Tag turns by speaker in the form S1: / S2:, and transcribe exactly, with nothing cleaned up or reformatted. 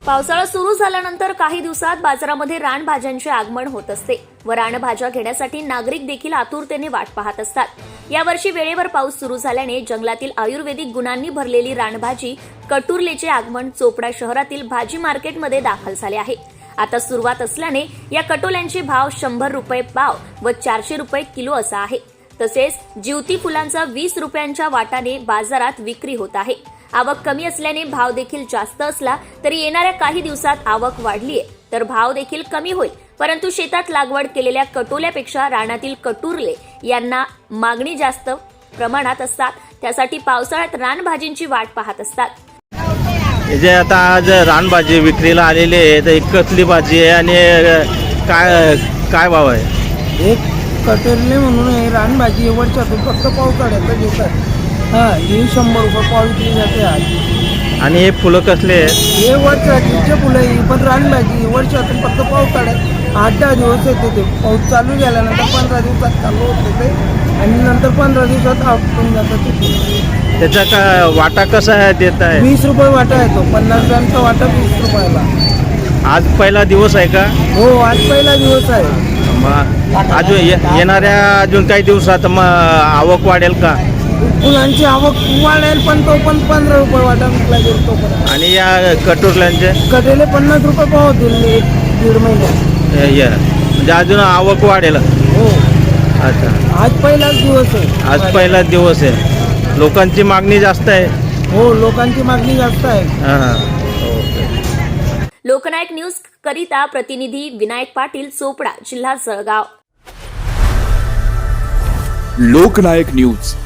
S1: पावसाळा सुरू झाल्यानंतर काही दिवसात बाजारामध्ये रानभाज्यांचे आगमन होत असते व रानभाज्या घेण्यासाठी नागरिक देखील आतुरतेने वाट पाहत असतात। यावर्षी वेळेवर पाऊस सुरू झाल्याने जंगलातील आयुर्वेदिक गुणांनी भरलेली रानभाजी कटुर्लेचे आगमन चोपडा शहरातील भाजी मार्केटमध्ये दाखल झाले आहे। आता सुरुवात असल्याने या कटोल्यांचे भाव शंभर रुपये पाव व चारशे रुपये किलो असा आहे। तसेच जीवती फुलांचा वीस रुपयांच्या वाटाने बाजारात विक्री होत आहे। आवक कमी असल्याने भाव देखील जास्त असला तरी येणाऱ्या काही दिवसात आवक वाढलीये तर भाव देखील कमी होईल, परंतु शेतात लागवड केलेल्या कटोल्यापेक्षा रानातील कटुर्ले यांना मागणी जास्त प्रमाणात असतात। त्यासाठी पावसाळ्यात रानभाजींची वाट पाहत असतात।
S2: जे आता आज रानभाजी विक्रीला आलेली आहे तर एक कसली भाजी आहे आणि काय काय भाव आहे?
S3: एक कटोरले म्हणून आहे रानभाजी वरच्यातून फक्त पावसाळ्यात घेतात। हा ही शंभर रुपये पाव विकली जाते आज।
S2: आणि हे फुलं कसले आहेत?
S3: हे वरच्या फुलं ही पण रानभाजी वर्षातून फक्त पावसाळ्यात आठ दहा दिवस येते। ते पाऊस चालू झाल्यानंतर पंधरा दिवसात चालू होते आणि नंतर पंधरा दिवसात आपटून जातात ते।
S2: त्याचा का वाटा कसा आहे देत आहे?
S3: वीस रुपये वाटा आहे तो, पन्नास ग्रामचा वाटा वीस रुपयाला।
S2: आज पहिला दिवस आहे का?
S3: हो आज पहिला दिवस आहे।
S2: मग अजून ये- येणाऱ्या अजून काही दिवसात मग आवक वाढेल का?
S3: फुलांची आवक वाढेल पण तो पण पंधरा रुपये वाटा विकला गेल तो पण।
S2: आणि या कटोरल्यांचे
S3: कटेले पन्नास रुपये पाव होतील एक दीड महिन्यात।
S2: हे- हे. म्हणजे अजून आवक वाढेल?
S3: हो
S2: अच्छा,
S3: आज पहिलाच दिवस आहे।
S2: आज पहिला दिवस आहे, लोकांची मागणी जास्त आहे।
S3: हो लोकांची मागणी जास्त आहे।
S2: हां
S1: लोकनायक न्यूज करिता प्रतिनिधी विनायक पाटील, चोपडा, जिल्हा जळगाव।
S4: लोकनायक न्यूज